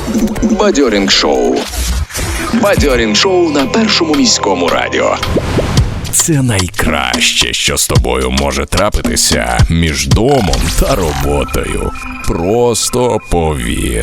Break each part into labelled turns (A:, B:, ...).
A: Бадьорінг-шоу. Бадьорінг-шоу на Першому міському радіо. Це найкраще, що з тобою може трапитися між домом та роботою. Просто повір.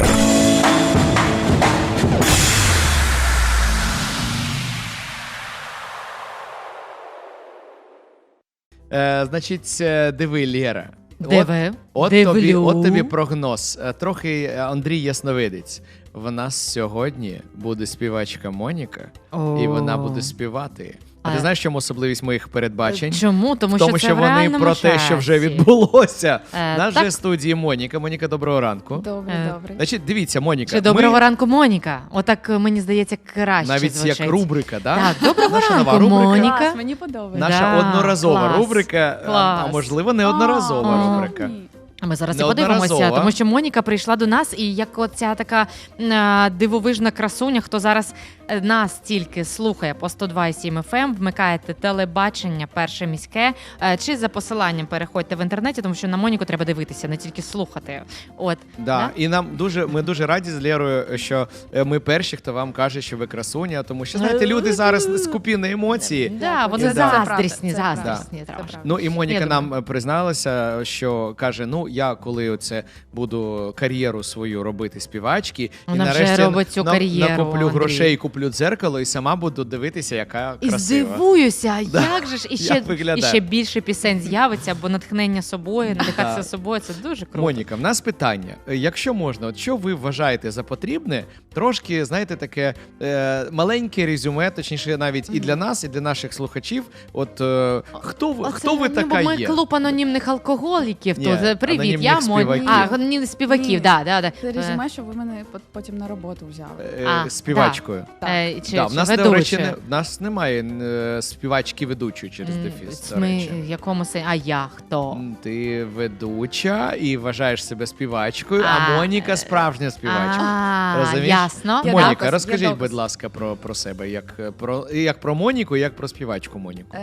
B: Значить, диви, Лєра.
C: Диви.
B: От
C: Дивлю.
B: тобі прогноз. Трохи Андрій Ясновидець. В нас сьогодні буде співачка Моніка, і вона буде співати. А ти знаєш, чому особливість моїх передбачень?
C: Чому? Тому
B: що
C: це в
B: вони
C: реальному
B: про те, що вже
C: часі.
B: відбулося. Нас
C: так.
B: вже в студії Моніка. Моніка, доброго ранку.
D: Добре.
B: Значить, дивіться, Моніка.
C: Чи доброго ранку, Моніка? Отак, мені здається, краще
B: навіть
C: звучить.
B: як рубрика, да?
C: Так, доброго
B: Наша нова
C: ранку,
B: рубрика.
C: Моніка.
D: Клас, мені подобається.
B: Наша одноразова
C: клас,
B: рубрика, а
C: клас.
B: можливо, не одноразова рубрика.
D: Ні.
C: А ми зараз і
B: Неодноразово.
C: подивимося, тому що Моніка прийшла до нас, і як оця така дивовижна красуня, хто зараз нас тільки слухає по 102,7 FM, вмикаєте телебачення «Перше міське», чи за посиланням переходьте в інтернеті, тому що на Моніку треба дивитися, не тільки слухати. От.
B: Да. І ми дуже раді з Лєрою, що ми перші, хто вам каже, що ви красуня, тому що, знаєте, люди зараз скупі на емоції.
C: Да, вони
B: Це
C: заздрісні,
D: правда, це
C: заздрісні
D: правда.
C: трошки.
B: Ну і Моніка
C: Я
B: нам призналася, що каже, ну я коли оце буду кар'єру свою робити співачки,
C: Вона
B: і
C: вже
B: нарешті
C: робить цю кар'єру,
B: накоплю
C: Андрій.
B: грошей, куплю дзеркало і сама буду дивитися, яка
C: І
B: красива.
C: здивуюся, як же ж
B: Як виглядає.
C: і ще більше пісень з'явиться, бо натхнення собою, надихатися собою, це дуже круто.
B: Моніка, в нас питання. Якщо можна, от що ви вважаєте за потрібне, трошки, знаєте, таке маленьке резюме, точніше навіть і для нас, і для наших слухачів. От хто ви така
C: Ми
B: є?
C: клуб анонімних алкоголіків.
B: Ні,
C: тут привіт,
B: анонімних
C: я Моніка.
B: співаків.
C: Анонімних співаків,
D: Ні.
C: да.
D: Це резюме, що ви мене потім на роботу взяли.
B: Співачкою.
C: Чи
B: Да, в нас, до
C: ведучою.
B: речі, в нас немає співачки-ведучої через дефіс, до
C: Ми
B: речі.
C: в якому сенсі? А я хто?
B: Ти ведуча і вважаєш себе співачкою, а Моніка справжня співачка. Розумієш?
C: Ясно.
D: Я
B: Моніка,
D: доказ, я
B: розкажіть,
D: доказ.
B: будь ласка, про себе, як про Моніку, як про співачку Моніку.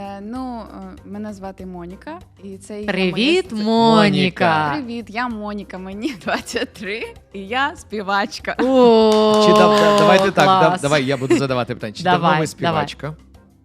D: Мене звати Моніка. І це є
C: Привіт,
D: моє...
C: Моніка.
D: Привіт, я Моніка, мені 23, і я співачка.
C: О,
B: Чи давайте так,
C: клас.
B: давай я буду задавати питання. Чи давно
C: Давай,
B: ви співачка?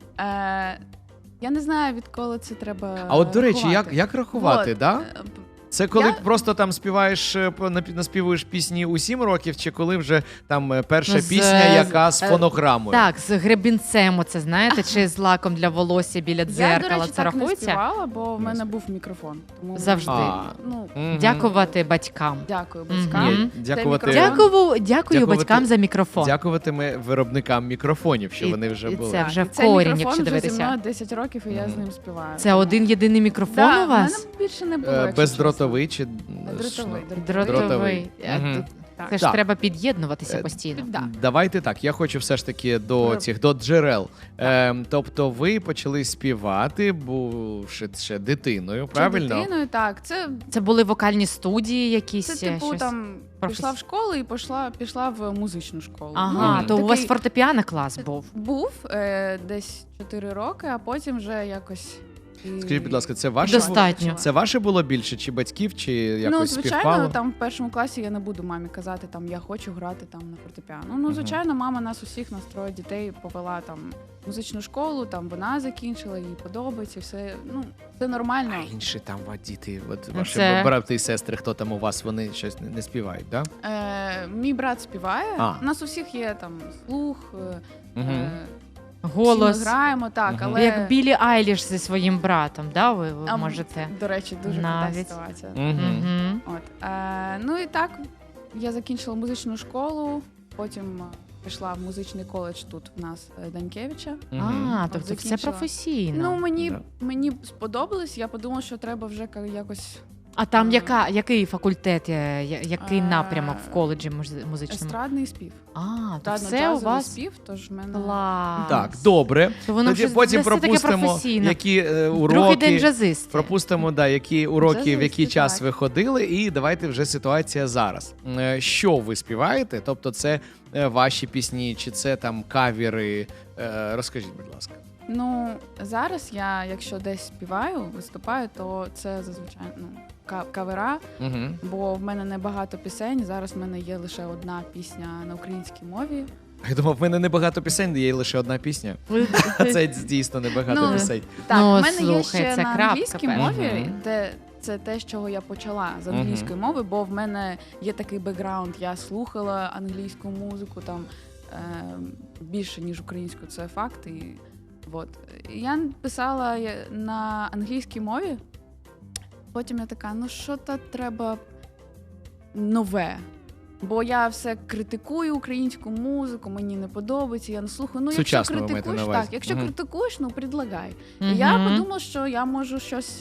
D: Я не знаю, відколи це треба.
B: А от, до речі,
D: рахувати.
B: як рахувати,
D: Вот,
B: да? Це коли
D: Я-
B: просто там співаєш, наспівуєш пісні у 7 років, чи коли вже там перша
C: Ну, з-
B: пісня, яка з фонограмою?
C: Так, з гребінцем, оце знаєте, чи з лаком для волосся біля
D: Я,
C: дзеркала.
D: до речі,
C: Це
D: так не
C: рахується?
D: співала, бо в мене був мікрофон. Тому
C: Завжди.
D: Ну,
B: Мгм.
C: Дякувати батькам.
D: дякую
C: Мгм.
D: батькам.
B: Ні, дякувати,
D: мікрофон.
C: Дякую батькам за мікрофон.
B: дякувати ми виробникам мікрофонів, що
C: І-
B: вони вже
C: і
B: були.
C: це вже
D: І
C: в
D: цей
C: корінь,
D: мікрофон
C: якщо
D: вже
C: дивитися.
D: зі мною 10 років, і я з ним співаю.
C: Це один єдиний мікрофон
D: Да,
C: у вас?
D: в мене більше не було. якщо
B: Бездротовий чи
D: Дротовий.
C: Дротовий.
B: Мгм.
D: Так.
C: Це ж
B: Так.
C: треба під'єднувати постійно.
D: Да.
B: Давайте так. Я хочу все ж таки до джерел. Тобто, ви почали співати, бувши ще дитиною, правильно?
D: Дитиною, так.
C: Це були вокальні студії якісь?
D: Це типу
C: щось?
D: там пішла
C: професі-
D: в школу і пішла в музичну школу.
C: Ага,
B: Ну,
C: то у вас
D: такий-
C: фортепіано клас був.
D: Був десь 4 роки, а потім вже якось.
B: Скажіть, будь ласка, це ваше
C: Достатньо.
B: це ваше було більше, чи батьків, чи якось
D: Ну, звичайно,
B: співпало?
D: там в першому класі я не буду мамі казати, там я хочу грати там на фортепіано. Ну, звичайно, мама нас усіх, нас троє дітей повела там в музичну школу, там вона закінчила, їй подобається, все. Ну, це нормально.
B: А інші там діти, от
C: Ну,
B: ваші
C: це-
B: брати і сестри, хто там у вас, вони щось не співають, так? Да?
D: Мій брат співає.
B: А.
D: У нас усіх є там слух.
B: Мгм.
C: Голос.
D: Всі ми граємо, так,
B: Мгм.
D: але
C: Як Білі Айліш зі своїм братом, да? Ви
D: А,
C: можете.
D: до речі, дуже крута
C: навіть.
D: ситуація.
B: Мгм.
C: Мгм.
D: От. Ну і так, я закінчила музичну школу, потім пішла в музичний коледж тут в нас Данькевича.
B: Мгм.
C: А, тобто все
D: Закінчила.
C: професійно.
D: Ну,
B: Да.
D: мені сподобалось, я подумала, що треба вже якось
C: А там який факультет, який
D: А,
C: напрямок в коледжі музичному?
D: естрадний спів.
C: А, то все у
D: Естрадно-джазовий
C: вас
D: спів, тож в мене...
C: клас.
B: Так, добре.
C: То воно
B: Тоді
C: вже
B: потім
C: все таке
B: пропустимо,
C: професійно.
B: які
C: Другий день
B: уроки.
C: джазист.
B: Пропустимо, які уроки, в
D: Джазисти,
B: який час
D: так.
B: ви ходили, і давайте вже ситуація зараз. Що ви співаєте? Тобто, це ваші пісні, чи це там кавери? Розкажіть, будь ласка.
D: Ну, зараз я, якщо десь співаю, виступаю, то це зазвичай кавера,
B: Угу.
D: бо в мене не багато пісень. Зараз в мене є лише одна пісня на українській мові.
B: Я думав, в мене небагато пісень, є лише одна пісня. Це дійсно небагато
D: Ну,
B: пісень.
D: Так,
C: Ну,
D: в мене є
C: слухай,
D: ще
C: це
D: на
C: крапка,
D: англійській
C: певно.
D: мові,
B: Мгм.
D: де це те, з чого я почала з англійської мови, бо в мене є такий бекграунд. Я слухала англійську музику там більше, ніж українську, це факт. І, от. Я писала на англійській мові, потім я така, ну що-то треба нове. Бо я все критикую українську музику, мені не подобається, я не слухаю. Ну, якщо
B: Сучасно ви маєте
D: критикуєш,
B: на увазі.
D: так, якщо
B: Мгм.
D: критикуєш, ну предлагай.
C: Мгм.
D: І я подумала, що я можу щось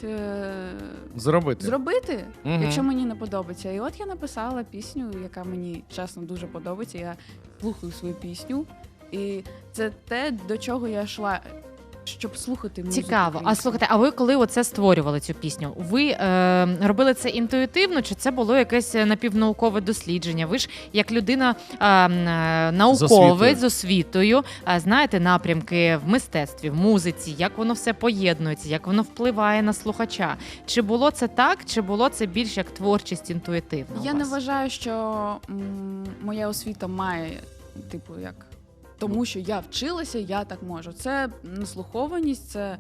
D: зробити,
B: Мгм.
D: якщо мені не подобається. І от я написала пісню, яка мені чесно дуже подобається. Я слухаю свою пісню, і це те, до чого я йшла, щоб слухати музику.
C: Цікаво. А
D: українську.
C: слухайте, а ви коли оце створювали цю пісню? Ви робили це інтуїтивно, чи це було якесь напівнаукове дослідження? Ви ж як людина науковець з освітою, знаєте напрямки в мистецтві, в музиці, як воно все поєднується, як воно впливає на слухача. Чи було це так, чи було це більш як творчість інтуїтивна? у
D: Я не
C: вас?
D: вважаю, що моя освіта має, типу, як тому, що я вчилася, я так можу. Це наслухованість, це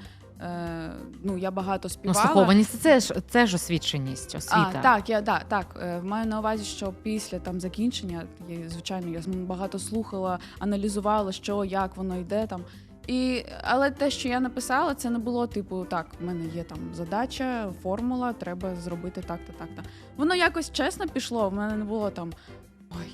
D: я багато співала.
C: Наслухованість це ж освіченість, освіта.
D: Маю на увазі, що після там закінчення, звичайно, я багато слухала, аналізувала, що, як воно йде там. Але те, що я написала, це не було типу, так, в мене є там задача, формула, треба зробити так-то, так-то. Воно якось чесно пішло, в мене не було там, ой,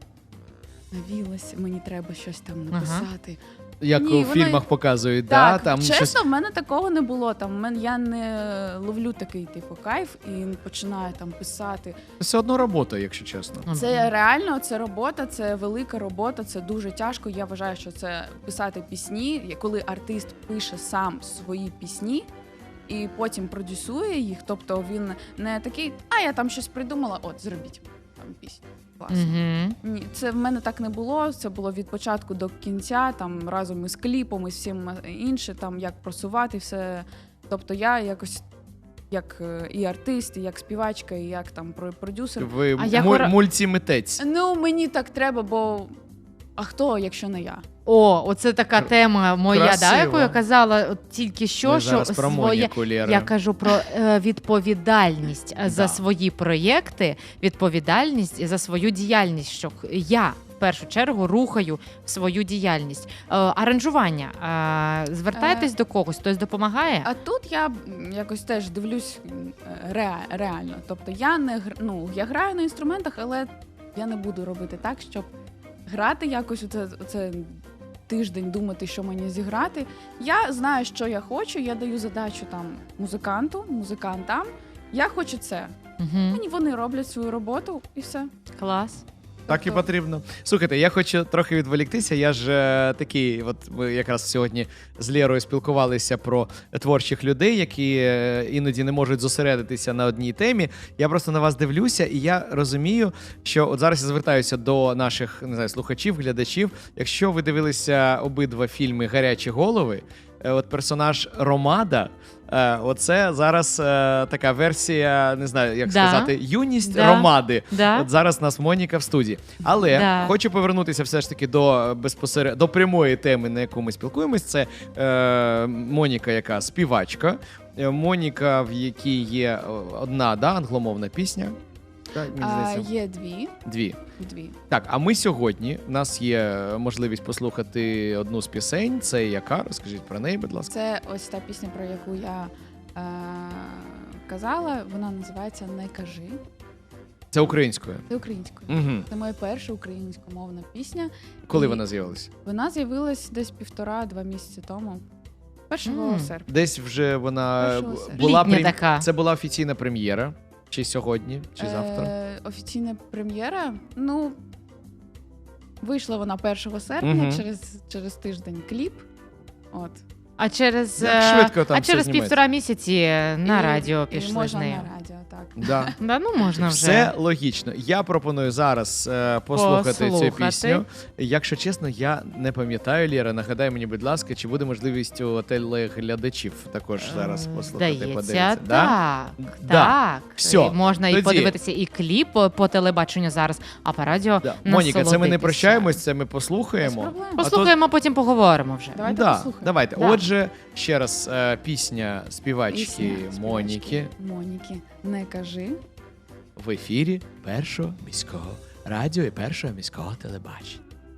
D: навілася, мені треба щось там написати.
B: Як
D: Ні,
B: у
D: воно-
B: фільмах показують,
D: Так,
B: там
D: чесно,
B: щось.
D: в мене такого не було. Я не ловлю такий типу кайф і починаю там писати.
B: Все одно робота, якщо чесно.
D: Це реально, це робота, це велика робота, це дуже тяжко. Я вважаю, що це писати пісні, коли артист пише сам свої пісні і потім продюсує їх. Тобто він не такий, я там щось придумала, от зробіть там пісню. Класно.
C: Угу.
D: Ні, це в мене так не було. Це було від початку до кінця, там разом із кліпом, і всім інше, там як просувати все. Тобто я якось як і артист, і як співачка, і як там продюсер.
B: Ви
C: А як
B: мультимитець.
D: Ну мені так треба, бо а хто, якщо не я?
C: Оце така тема моя,
B: Красиво.
C: яку я казала от тільки що,
B: Ми
C: що
B: зараз про Моніку, Лєра.
C: я кажу про відповідальність за
B: Да.
C: свої проєкти, відповідальність за свою діяльність, що я в першу чергу рухаю свою діяльність. Аранжування. Звертайтесь до когось, хтось допомагає?
D: А тут я якось теж дивлюсь реально. Тобто я я граю на інструментах, але я не буду робити так, щоб грати якось оце тиждень, думати, що мені зіграти. Я знаю, що я хочу, я даю задачу там музикантам. Я хочу це.
C: Угу.
D: Вони роблять свою роботу і все.
C: Клас.
B: Так і
D: Тобто-
B: потрібно. Слухайте, я хочу трохи відволіктися. Я ж такий, от ми якраз сьогодні з Лєрою спілкувалися про творчих людей, які іноді не можуть зосередитися на одній темі. Я просто на вас дивлюся, і я розумію, що от зараз я звертаюся до наших слухачів, глядачів. Якщо ви дивилися обидва фільми «Гарячі голови», от персонаж Ромада. Оце зараз така версія, не знаю, як сказати, юність Ромади. От зараз у нас Моніка в студії. Але хочу повернутися все ж таки до прямої теми, на яку ми спілкуємось. Це Моніка, яка співачка. Моніка, в якій є одна англомовна пісня. Так, мені здається.
D: Є
B: Дві.
D: Дві.
B: Так, а ми сьогодні, у нас є можливість послухати одну з пісень. Це яка? Розкажіть про неї, будь ласка.
D: Це ось та пісня, про яку я казала. Вона називається «Не кажи».
B: Це українською?
D: Це українською.
B: Угу.
D: Це моя перша українськомовна пісня.
B: Коли
D: І
B: вона з'явилася?
D: Вона з'явилась десь 1,5-2 місяці тому. 1 серпня.
B: Десь вже вона
D: 1 серпня.
B: була
C: Літня така.
B: Це була офіційна прем'єра. Чи сьогодні, чи завтра?
D: Офіційна прем'єра. Вийшла вона 1 серпня, через тиждень кліп. От.
C: А через
B: Як швидко там все
C: через
B: знімається.
C: 1,5 місяці на радіо
D: І
C: пішли з
D: можна
C: нею.
D: на радіо, так.
B: Да.
C: Да, ну можна вже.
B: Все логічно. Я пропоную зараз послухати цю
C: Послухати.
B: пісню. Якщо чесно, я не пам'ятаю, Лєра, нагадай мені, будь ласка, чи буде можливість у телеглядачів також зараз послухати,
C: Здається,
B: подивитися?
C: так.
B: Да.
C: Так.
B: Всьо.
C: І можна і
B: Тоді.
C: подивитися і кліп по телебаченню зараз, а по радіо
B: Да. Моніка, це ми не
C: насолодитися.
B: прощаємось, це ми
D: Без
B: послухаємо.
D: проблем.
B: А то-
C: Послухаємо, потім поговоримо вже.
D: Давайте
B: Да,
D: послухаємо.
B: давайте.
C: Да.
B: Отже, ще раз спісня співачки
D: Пісня
B: Моніки
D: Моніки, не кажи.
B: в ефірі Першого міського радіо і Першого міського телебачення.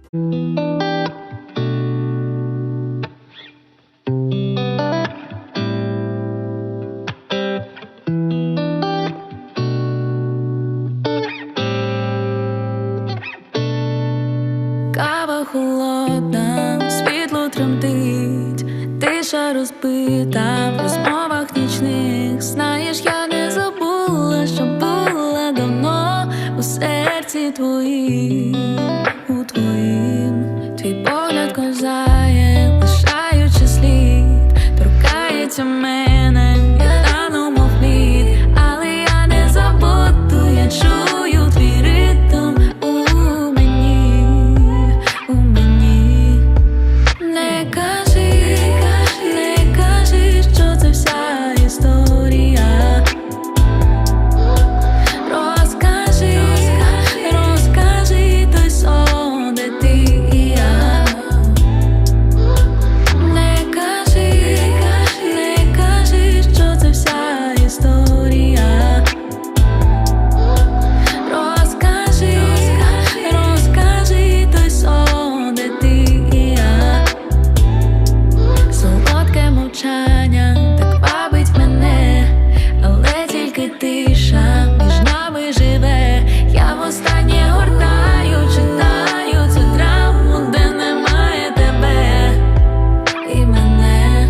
E: Кава холодна, світло тремтить, тиша розбита в розмовах нічних. Знаєш, я не забула, що була давно у серці твоїм, у твоїм. Твій погляд ковзає, лишаючи слід, торкається мене, я рану мов лід, але я не забуду, я чую твій ритм у мені, у мені. Не кажи, не кажи, що це вся історія. Розкажи, розкажи той сон, де ти і я. Не кажи, не кажи, що це вся історія. Розкажи, розкажи той сон, де ти і я. Солодке мовчання так вабить мене, але тільки тиша між нами живе. Я востаннє гортаю, читаю цю драму, де немає тебе і мене.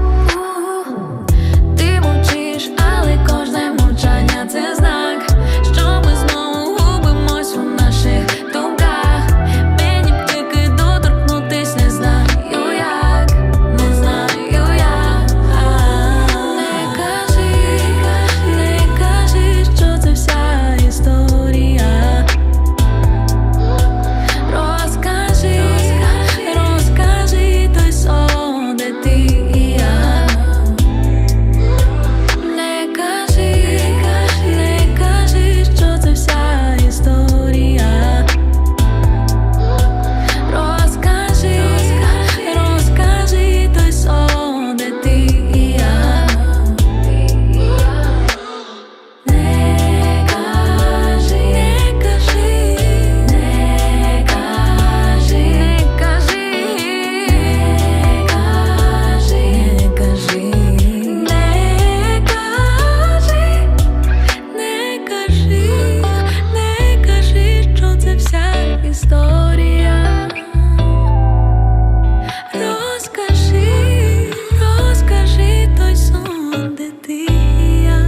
E: Ти мовчиш, але кожне мовчання це знак, що ми знову губимось у наших думках. Мені б тільки доторкнутись, не знаю як, не знаю як. Не кажи, не кажи, що це вся історія. Розкажи, розкажи той сон, де ти і я. Не кажи, не кажи, що це вся історія. Розкажи, розкажи той сон, де ти і я. Не кажи, не кажи, не кажи, не кажи, не кажи, не кажи, не кажи, не кажи, що це вся історія. Розкажи, розкажи той сон, де ти і я.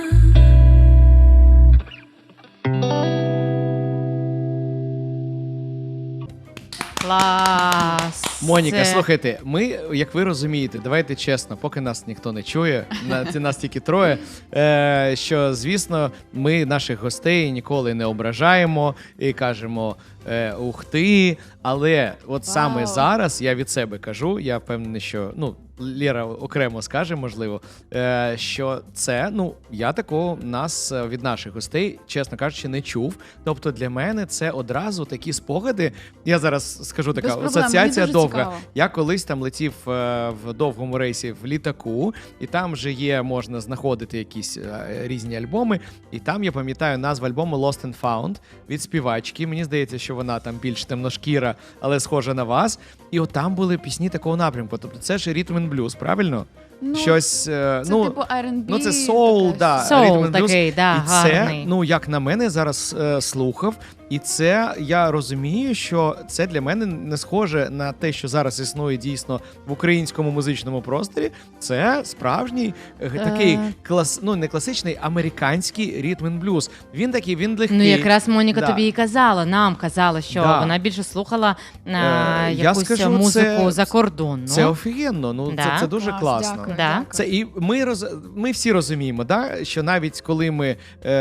C: Клас.
B: Моніка,
C: Це-
B: слухайте, ми, як ви розумієте, давайте чесно, поки нас ніхто не чує, нас тільки троє, що, звісно, ми наших гостей ніколи не ображаємо і кажемо ух ти, але от саме
D: Вау.
B: зараз я від себе кажу, я впевнений, що, ну, Лєра окремо скаже, можливо, що це, ну, я такого нас від наших гостей, чесно кажучи, не чув. Тобто для мене це одразу такі спогади. Я зараз скажу така
D: Без проблем,
B: асоціація
D: мені дуже
B: довга.
D: цікаво.
B: Я колись там летів в довгому рейсі в літаку, і там вже є, можна знаходити якісь різні альбоми. І там я пам'ятаю назву альбому Lost and Found від співачки. Мені здається, що вона там більш темношкіра, але схожа на вас. І от там були пісні такого напрямку. Тобто це ж ритм and blues, правильно?
D: Ну,
B: Щось,
D: це
B: ну,
D: типу R&B.
B: ну це соул,
D: таке.
B: да,
C: Соул
B: rhythm and blues.
C: такий, да,
B: І це,
C: гарний.
B: ну як на мене, зараз слухав, І це, я розумію, що це для мене не схоже на те, що зараз існує дійсно в українському музичному просторі. Це справжній такий не класичний, американський ритм-н-блюз. Він такий, він легкий.
C: Ну, якраз Моніка
B: Да.
C: тобі і казала, нам казала, що
B: Да.
C: вона більше слухала
B: Я
C: якусь
B: скажу,
C: музику
B: це-
C: закордонну.
B: Це офігенно, ну
C: Да.
B: це дуже
D: Клас,
B: класно.
D: дякую,
C: Да.
D: дякую.
B: Це і ми всі розуміємо, да, що навіть коли ми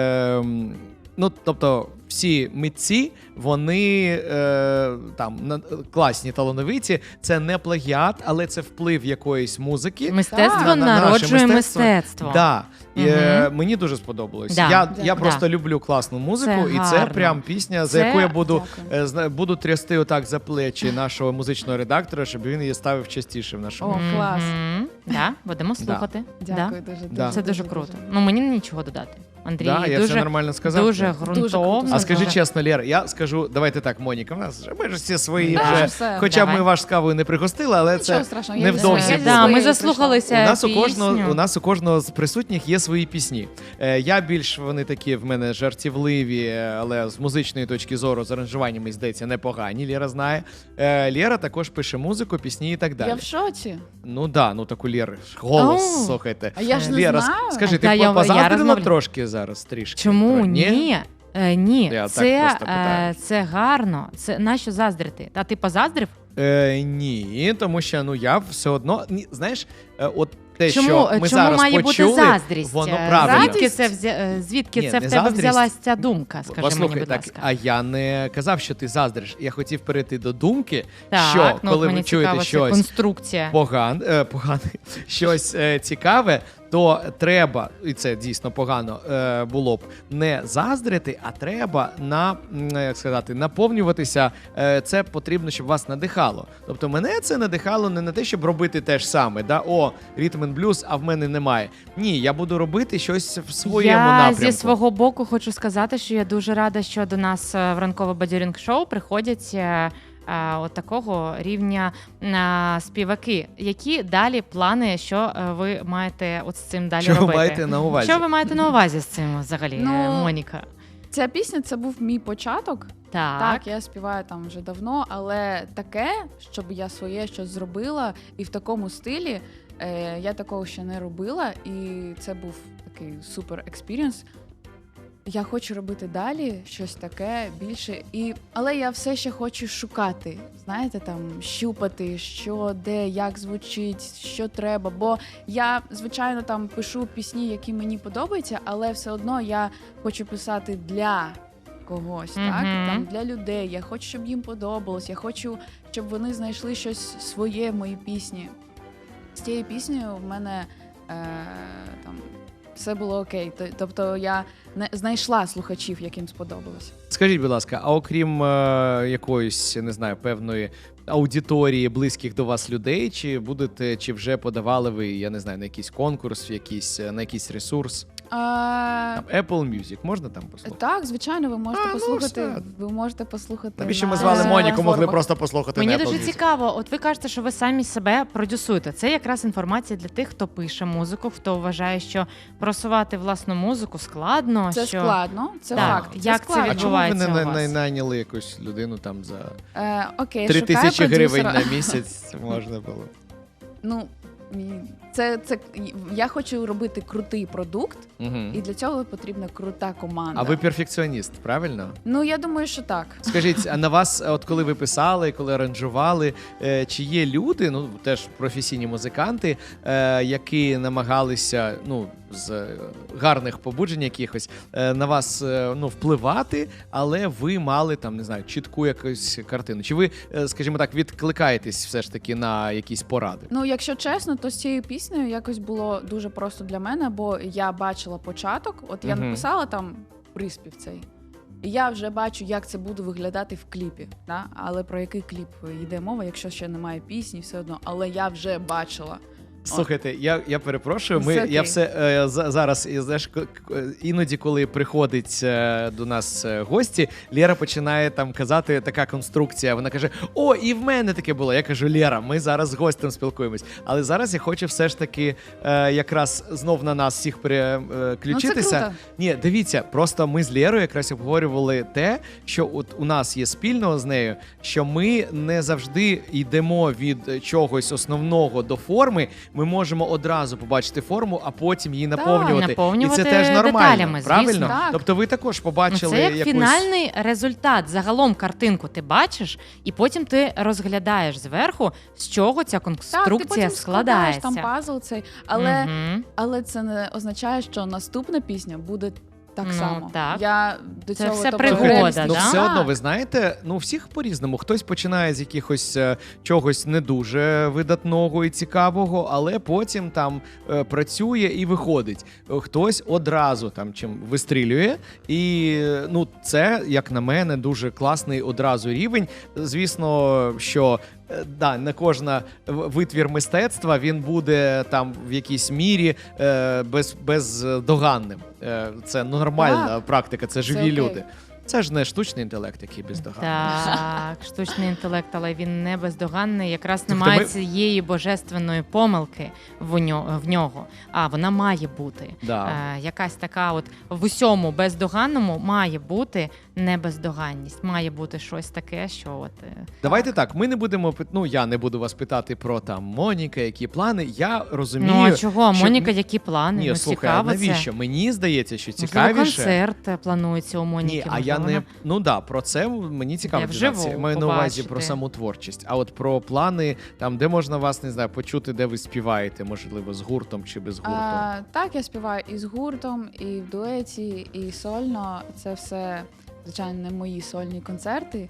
B: тобто всі митці, вони класні, талановиті, це не плагіат, але це вплив якоїсь музики.
C: Мистецтво
B: на наше
C: народжує мистецтво.
B: Да. І,
C: Мгм.
B: мені дуже сподобалось.
C: Да.
B: Я
D: Дякую.
B: просто люблю класну музику,
C: Це
B: і це
C: гарно.
B: прям пісня, за
C: Це-
B: яку я буду
D: Дякую.
B: буду трясти отак за плечі нашого музичного редактора, щоб він її ставив частіше в нашому.
D: О, клас.
C: Да, будемо слухати.
D: Дякую дуже.
B: Да.
C: Це дуже круто. Ну, мені нічого додати. Андрій
B: Да, я все
C: дуже,
B: нормально сказав.
C: дуже
B: Так?
D: Дуже
C: ґрунтовно.
D: круто
B: А скажи
C: дуже-
B: чесно, Лєр, я скажу, давайте так, Моніка, ми ж всі свої
D: Да,
B: вже,
D: все.
B: хоча б
C: Давай.
B: ми ваш з кавою не пригостили, але
D: Нічого
B: це
D: страшного, я
B: невдовзі
D: від
B: буде.
C: Да,
D: своєї
C: ми
D: прийшла.
C: заслухалися
B: у нас
C: пісню.
B: у нас у кожного з присутніх є свої пісні. Я більш вони такі в мене жартівливі, але з музичної точки зору, з аранжуваннями, здається, непогані. Лєра знає. Лєра також пише музику, пісні і так далі.
D: Я в шоці.
B: Ну да, ну так у Лєри ж голос,
C: О.
B: слухайте.
D: А я ж не
B: Лєра,
D: знаю.
B: скажи,
C: Та
B: ти
C: я
B: позаздрила
C: розмовляю.
B: трошки зараз трішки?
C: Чому ні? Ні,
B: Я так
C: це,
B: просто питаю.
C: це гарно. Це нащо заздрити? А ти позаздрив?
B: Ні, тому що я все одно знаєш, от те,
C: Чому,
B: що ми
C: чому
B: зараз
C: має
B: почули,
C: бути заздрість?
B: воно правильно.
C: Звідки
B: Ні,
C: це в
B: не
C: тебе
B: заздрість.
C: взялась ця думка? Скажи
B: Послухай,
C: мені, будь
B: так,
C: ласка.
B: а я не казав, що ти заздриш. Я хотів перейти до думки,
C: Так,
B: що
C: ну,
B: коли
C: от
B: ви
C: мені
B: чуєте
C: цікаво, це
B: щось
C: конструкція.
B: погане, щось цікаве, то треба, і це дійсно погано було б, не заздрити, а треба наповнюватися. Це потрібно, щоб вас надихало. Тобто мене це надихало не на те, щоб робити те ж саме, ритм н блюз, а в мене немає. Ні, я буду робити щось в своєму
C: Я
B: напрямку.
C: зі свого боку хочу сказати, що я дуже рада, що до нас в ранкове бадьорінг-шоу приходять от такого рівня співаки. Які далі плани, що ви маєте от з цим далі
B: Що ви
C: робити?
B: маєте на увазі?
C: Що ви маєте на увазі з цим взагалі,
D: Ну,
C: Моніка?
D: Ця пісня це був мій початок.
C: Так.
D: Так, я співаю там вже давно, але таке, щоб я своє щось зробила, і в такому стилі я такого ще не робила, і це був такий супер експірієнс. Я хочу робити далі щось таке більше, але я все ще хочу шукати, знаєте, там щупати, що, де, як звучить, що треба. Бо я, звичайно, там пишу пісні, які мені подобаються, але все одно я хочу писати для когось, так?
C: Мгм.
D: Там для людей. Я хочу, щоб їм подобалось. Я хочу, щоб вони знайшли щось своє в моїй пісні. З цією піснею в мене там все було окей. Тобто я не знайшла слухачів, яким сподобалось.
B: Скажіть, будь ласка, а окрім якоїсь, не знаю, певної аудиторії близьких до вас людей, чи вже подавали ви, я не знаю, на якийсь конкурс, на якийсь ресурс? Там, Apple Music, можна там послухати?
D: Так, звичайно, ви можете
B: ну,
D: послухати.
B: все.
D: Ви можете послухати.
B: Навіщо ми
D: на
B: звали Моніку, могли
D: платформах.
B: просто послухати
C: Мені
B: на Apple
C: дуже
B: Music?
C: цікаво, от ви кажете, що ви самі себе продюсуєте. Це якраз інформація для тих, хто пише музику, хто вважає, що просувати власну музику складно.
D: Це
C: що...
D: складно, це
C: Так.
D: факт.
C: Як це
D: складно.
B: А чому ви
C: відбувається
B: не
C: у вас?
B: найняли якусь людину там за
D: Окей,
B: 3000
D: шукаю
B: гривень
D: продюсера.
B: на місяць можна було?
D: Ну, це я хочу робити крутий продукт,
B: Мгм.
D: і для цього потрібна крута команда.
B: А ви перфекціоніст, правильно?
D: Ну, я думаю, що так.
B: Скажіть, а на вас, от коли ви писали, коли аранжували, чи є люди, ну теж професійні музиканти, які намагалися, з гарних побуджень якихось на вас впливати, але ви мали там, не знаю, чітку якусь картину? Чи ви, скажімо так, відкликаєтесь все ж таки на якісь поради?
D: Ну, якщо чесно, то з цією піснею якось було дуже просто для мене, бо я бачила початок, от я
B: Мгм.
D: написала там приспів цей. І я вже бачу, як це буде виглядати в кліпі. Да? Але про який кліп йде мова, якщо ще немає пісні, все одно. Але я вже бачила.
B: Слухайте, я перепрошую.
D: Все окей.
B: Я все зараз, знаєш, іноді, коли приходить до нас гості, Лєра починає там казати така конструкція. Вона каже: о, і в мене таке було. Я кажу: Лєра, ми зараз з гостем спілкуємось. Але зараз я хочу все ж таки якраз знов на нас всіх переключитися.
D: круто.
B: Ні, дивіться, просто ми з Лєрою якраз обговорювали те, що от у нас є спільного з нею, що ми не завжди йдемо від чогось основного до форми. Ми можемо одразу побачити форму, а потім її наповнювати.
C: наповнювати
B: І це теж нормально,
C: деталями,
B: правильно?
C: звісно.
D: Так.
B: Тобто ви також побачили
C: Це як
B: якусь...
C: фінальний результат. Загалом картинку ти бачиш, і потім ти розглядаєш зверху, з чого ця
D: Так, ти
C: конструкція
D: потім складаєш
C: складається.
D: там пазл цей, але,
C: Мгм.
D: але це не означає, що наступна пісня буде так
C: Ну,
D: само.
C: так.
D: Я до
C: Це
D: цього
C: все
D: тобто,
C: пригода,
D: реалістично.
B: Ну,
C: да?
B: все одно,
D: Так.
B: ви знаєте, ну, всіх по-різному. Хтось починає з якихось чогось не дуже видатного і цікавого, але потім там працює і виходить. Хтось одразу там чим вистрілює. І ну, це, як на мене, дуже класний одразу рівень. Звісно, що да, не кожна витвір мистецтва він буде там в якійсь мірі бездоганним. Це нормальна
D: Так.
B: практика, це живі
D: окей.
B: люди. Це ж не штучний інтелект, який бездоганний.
C: Так, штучний інтелект, але він не бездоганний. Якраз
B: Тобто
C: немає
B: ми-
C: цієї божественної помилки в нього. А вона має бути.
B: Да.
C: Якась така, от в усьому бездоганному має бути не бездоганність. Має бути щось таке, що от
B: Давайте так, ми не будемо ну я не буду вас питати про там Моніка, які плани. Я розумію.
C: ну а чого?
B: що-
C: Моніка, які плани?
B: Ні,
C: ну,
B: слухай,
C: цікаво
B: а навіщо?
C: це.
B: Мені здається, що
C: Можливо,
B: цікавіше.
C: концерт планується у Моніки.
B: Ні, а я
C: можливо,
B: не ну да, про це мені цікаво
C: Де
B: дізнатися.
C: вживу
B: Я маю на увазі про
C: побачити.
B: саму творчість. А от про плани, там де можна вас не знаю, почути, де ви співаєте, можливо, з гуртом чи без гурту.
D: Так, я співаю і з гуртом, і в дуеті, і сольно. Це все, звичайно, не мої сольні концерти.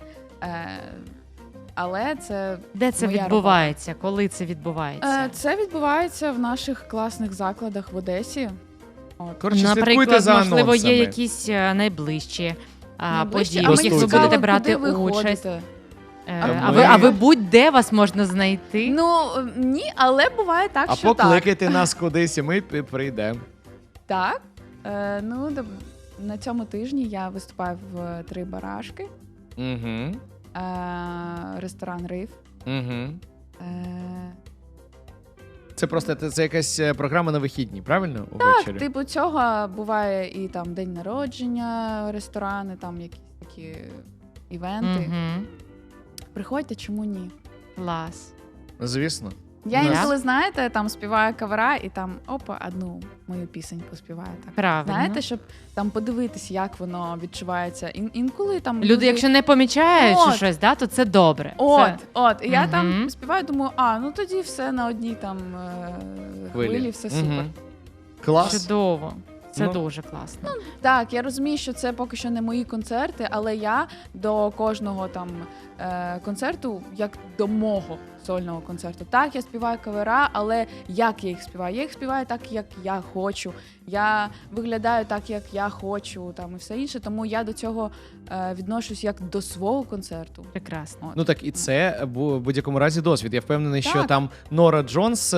D: Але це
C: Де це
D: моя
C: відбувається? Коли це відбувається?
D: Це відбувається в наших класних закладах в Одесі. От.
B: Коротше, слідкуйте
C: Наприклад,
B: за
C: можливо, є
B: анонсами.
C: якісь найближчі
D: Найближче.
C: події,
D: А
C: в
D: мені
C: яких ви
D: цікаво,
C: будете брати
D: куди ви
C: участь.
D: ходите.
C: А ви будь-де вас можна знайти?
D: Ну, ні, але буває так,
B: А
D: що так.
B: покликайте нас кудись, і ми прийдемо.
D: Так. На цьому тижні я виступаю в 3 барашки,
B: Угу.
D: ресторан Риф.
B: Угу.
D: Е,
B: Це просто це якась програма на вихідні, правильно? Увечері?
D: Типу цього буває і там день народження, ресторани, там якісь такі івенти.
C: Мгм.
D: Приходьте, чому ні?
C: Клас.
B: Звісно.
D: Я
B: Ну,
D: інколи, знаєте, там співаю кавера і там одну мою пісеньку співаю так.
C: Правильно.
D: Знаєте, щоб там подивитись, як воно відчувається. Інколи там
C: Люди, якщо не помічають чи
D: От.
C: щось, да, то це добре.
D: І я
C: Мгм.
D: там співаю, думаю, ну тоді все на одній там хвилі, все супер.
B: Мгм.
C: Це
B: Клас.
C: чудово. Це
B: Ну,
C: дуже класно.
D: Так, я розумію, що це поки що не мої концерти, але я до кожного там концерту, як до мого сольного концерту. Так, я співаю кавера, але як я їх співаю? Я їх співаю так, як я хочу. Я виглядаю так, як я хочу, там і все інше. Тому я до цього відношусь як до свого концерту.
C: Прекрасно.
D: От.
B: Ну так і це в будь-якому разі досвід. Я впевнений, що
D: Так.
B: там Нора Джонс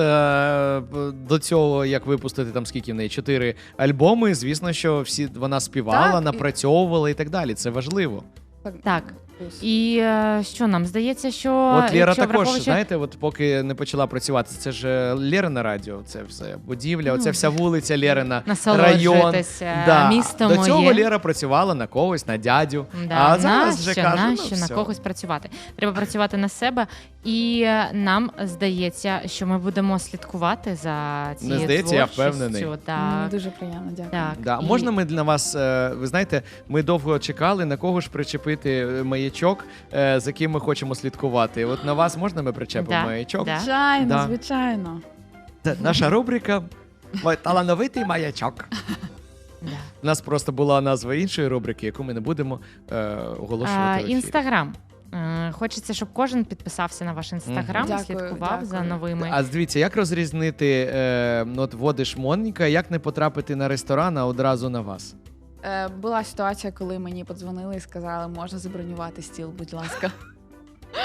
B: до цього, як випустити там скільки в неї 4 альбоми. Звісно, що всі вона співала,
D: Так, і-
B: напрацьовувала і так далі. Це важливо.
C: Так.
D: Плюс.
C: І що нам здається, що
B: От Лєра
C: якщо
B: також,
C: враховуючи-
B: знаєте, от поки не почала працювати, це ж Лєрина радіо, це все будівля, оце вся вулиця Лєрина, район.
C: насолоджуйтеся місто
B: До
C: моє.
B: цього Лєра працювала на когось, на дядю.
C: Да,
B: А зараз вже
C: нащо,
B: каже,
C: нащо
B: ну,
C: на
B: все.
C: когось працювати? Треба працювати на себе, і нам здається, що ми будемо слідкувати за цією
B: здається, я
C: творчістю.
B: впевнений.
D: Мені
C: Так,
D: дуже приємно, дякую.
C: так.
B: Да.
C: І-
B: Можна ми для вас, ви знаєте, ми довго чекали, на кого ж причепити маячок, за ким ми хочемо слідкувати. От на вас можна ми причепимо
C: Да,
B: маячок?
C: да.
D: Звичайно,
B: Да.
D: звичайно.
B: Це наша рубрика «Талановитий маячок».
C: Да.
B: У нас просто була назва іншої рубрики, яку ми не будемо оголошувати. в ефірі.
C: Інстаграм. Хочеться, щоб кожен підписався на ваш інстаграм,
D: Дякую,
C: слідкував за
D: дякую.
C: новими.
B: А дивіться, як розрізнити, от вводиш Моніка, як не потрапити на ресторан, а одразу на вас?
D: Була ситуація, коли мені подзвонили і сказали, можна забронювати стіл, будь ласка.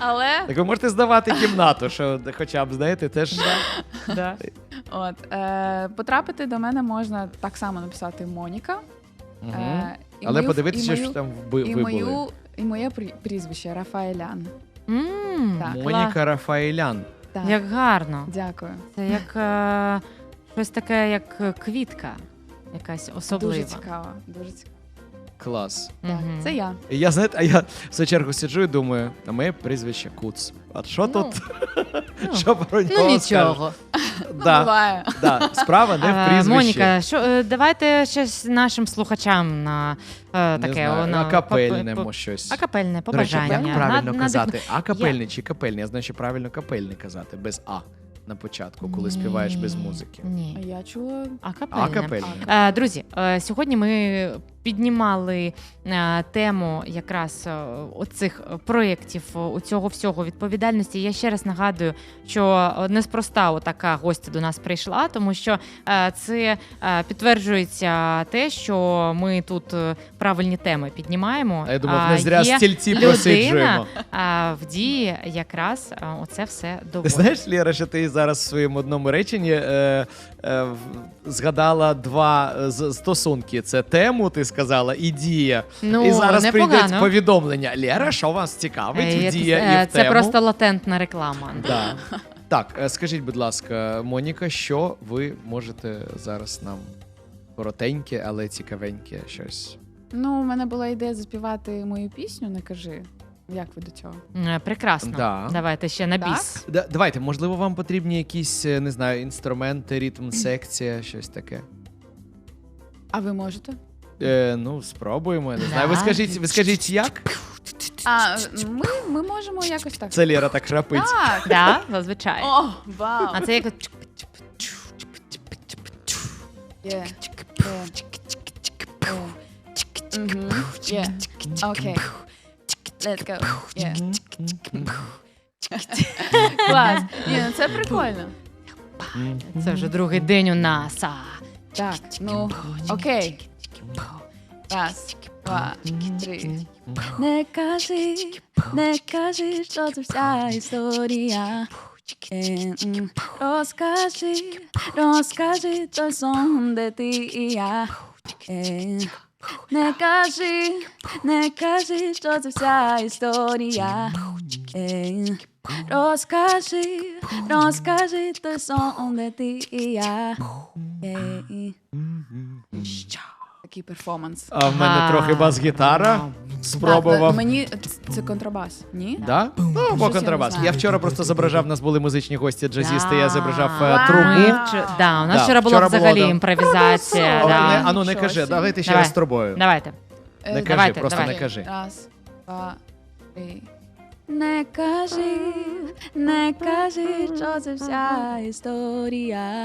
D: Але
B: Так ви можете здавати кімнату, що хоча б, знаєте, теж...
C: Да.
D: потрапити до мене можна так само написати Моніка.
B: Мгм.
D: І
B: Але
D: мою-
B: подивитися,
D: і
B: що
D: мою-
B: там
D: і
B: ви
D: мою,
B: були.
D: і моє прізвище Рафаелян. Так.
B: Моніка Рафаелян.
D: Так.
C: Як гарно.
D: Дякую.
C: Це як щось таке, як квітка, якась особлива.
D: Дуже цікаво. Дуже цікаво.
B: Клас.
D: Так,
C: Мгм.
D: це я.
B: І я, знаєте, а я в свою чергу сиджу і думаю, а моє прізвище Куц. А що
C: Ну,
B: тут?
C: ну,
B: Що про нього
C: Ну
B: скажеш?
C: нічого.
B: Да,
D: Буває.
B: да. Справа не в
C: А,
B: прізвищі.
C: Моніка, давайте щось нашим слухачам на
B: Не
C: таке
B: знаю,
C: на
B: акапельнемо щось.
C: акапельне
B: До речі,
C: побажання.
B: як правильно
C: На-
B: казати? Акапельний чи капельний? Я знаю, що правильно капельний казати, без А на початку, коли співаєш без музики.
D: А
C: Ні.
D: я чула.
C: Акапельне.
B: Акапельний.
C: Друзі, сьогодні ми піднімали тему якраз оцих проєктів, у цього всього відповідальності. Я ще раз нагадую, що неспроста така гостя до нас прийшла, тому що це підтверджується те, що ми тут правильні теми піднімаємо.
B: А я думав, не зря
C: Є
B: стільці
C: людина,
B: просиджуємо.
C: в дії якраз оце все
B: Ти
C: доводить.
B: знаєш, Лєра, що ти зараз в своєму одному реченні згадала два стосунки. Це тему, ти сказала, і дія.
C: Ну,
B: І зараз
C: непогано.
B: прийдуть повідомлення. Лєра, що вас цікавить в дія і в
C: Це
B: тему?
C: просто латентна реклама.
B: Да. Так, скажіть, будь ласка, Моніка, що ви можете зараз нам коротеньке, але цікавеньке щось?
D: Ну, у мене була ідея заспівати мою пісню, не кажи. Як ви до цього?
C: Прекрасно.
B: Да.
C: Давайте ще на
D: Так?
C: біс.
B: Давайте, можливо, вам потрібні якісь, не знаю, інструменти, ритм, секція, щось таке.
D: А ви можете?
B: Ну, спробуємо. Я не знаю.
C: Да.
B: Ви скажіть як?
D: А ми можемо якось так.
B: Це Лєра так храпить.
D: Так.
C: Да, зазвичай.
D: О, вау.
C: А це як
D: Є. Є. Окей. Let's go. Є. Клас. Ні, ну це прикольно.
C: це вже другий день у нас.
D: Так, ну, окей. Раз, два, три. Не кажи, що це вся історія. Розкажи той сон, де ти і я. Не кажи, що це вся історія. Розкажи той сон, де ти і я. Такий перформанс.
B: А в мене трохи бас-гітара. Спробував.
D: Так, мені це контрабас, ні?
B: Да? Ну, або
D: Щось я
B: контрабас.
D: не знаю.
B: Я вчора просто зображав, у нас були музичні гості, джазісти,
C: Да.
B: я зображав
D: Вау.
B: трубу.
C: У нас
B: Да,
C: вчора була
B: вчора було,
C: взагалі
B: да.
C: імпровізація.
B: А,
C: Да.
B: ну не
D: Нічого
B: кажи,
D: собі.
B: давайте ще
C: Давай.
B: раз з трубою.
C: Давайте.
B: Не кажи,
C: давайте,
B: просто
C: давайте.
B: не кажи.
D: Раз, два, три. Не кажи, що це вся історія.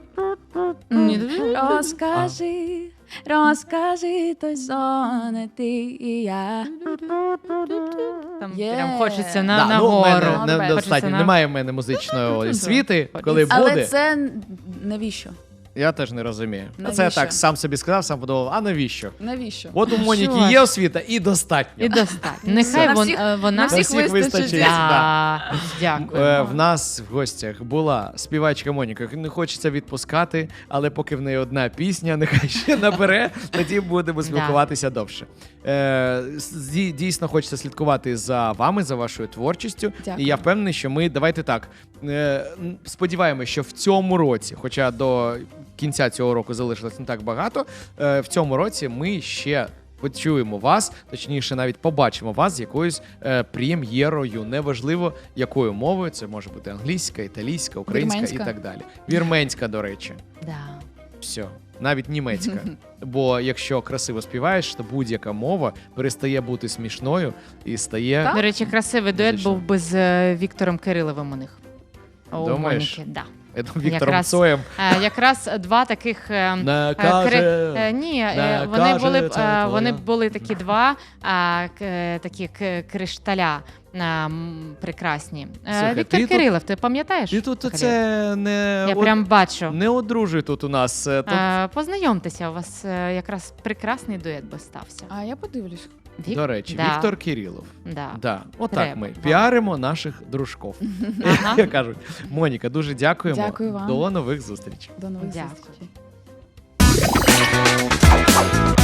D: Розкажи той сон, де ти і я.
C: Там
D: Є.
C: прям хочеться
B: Да,
C: на
B: ну, в мене
C: нагору.
B: недостатньо.
C: Хочеться на-
B: Немає в мене музичної освіти. Коли
D: Але
B: буде,
D: це навіщо?
B: я теж не розумію. А це я
D: Навіщо?
B: так сам собі сказав, сам подумав, а навіщо?
D: Навіщо?
B: От у Моніки
C: Що
B: є
C: ж.
B: освіта і достатньо.
C: І достатньо. Нехай
D: На
C: вон-
D: всіх-
C: вона...
D: на всіх
B: всіх вистачить.
D: вистачить.
C: Да. Дякую.
B: В нас в гостях була співачка Моніка. Не хочеться відпускати, але поки в неї одна пісня, нехай ще набере, тоді будемо спілкуватися довше. Дійсно хочеться слідкувати за вами, за вашою творчістю.
D: Дякую.
B: І я впевнений, що ми, давайте так, сподіваємося, що в цьому році, хоча до кінця цього року залишилось не так багато, в цьому році ми ще почуємо вас, точніше, навіть побачимо вас з якоюсь прем'єрою. Неважливо, якою мовою. Це може бути англійська, італійська, українська
D: Вірменська.
B: і так далі. Вірменська, до речі.
C: Да.
B: Все. Навіть німецька. Бо якщо красиво співаєш, то будь-яка мова перестає бути смішною і стає.
D: Так?
C: До речі, красивий дует
B: Музично.
C: був би з Віктором Кириловим у них. У
B: Думаєш?
C: Моніки, да.
B: Я думаю, Віктором
C: Якраз
B: Цоєм.
C: Якраз два таких
B: Не каже.
C: ні,
B: не
C: вони
B: каже,
C: були
B: це
C: вони
B: твоя.
C: були такі два такі кришталя прекрасні.
B: Слухай,
C: Віктор
B: ти тут-
C: Кирилов, ти пам'ятаєш?
B: І тут
C: Кирилов?
B: це не,
C: Я прям бачу.
B: не одружуй тут у нас. Тут
C: Познайомтеся, у вас якраз прекрасний дует би стався.
D: А я подивлюсь.
B: До речі,
C: Да.
B: Віктор Кирилов.
C: Да.
B: Да. Отак
C: Треба.
B: ми піаримо наших дружков.
C: Ага.
B: Як кажуть. Моніка, дуже дякуємо.
D: Дякую вам.
B: До нових зустрічей.
D: До нових
C: Дякую.
D: зустрічей.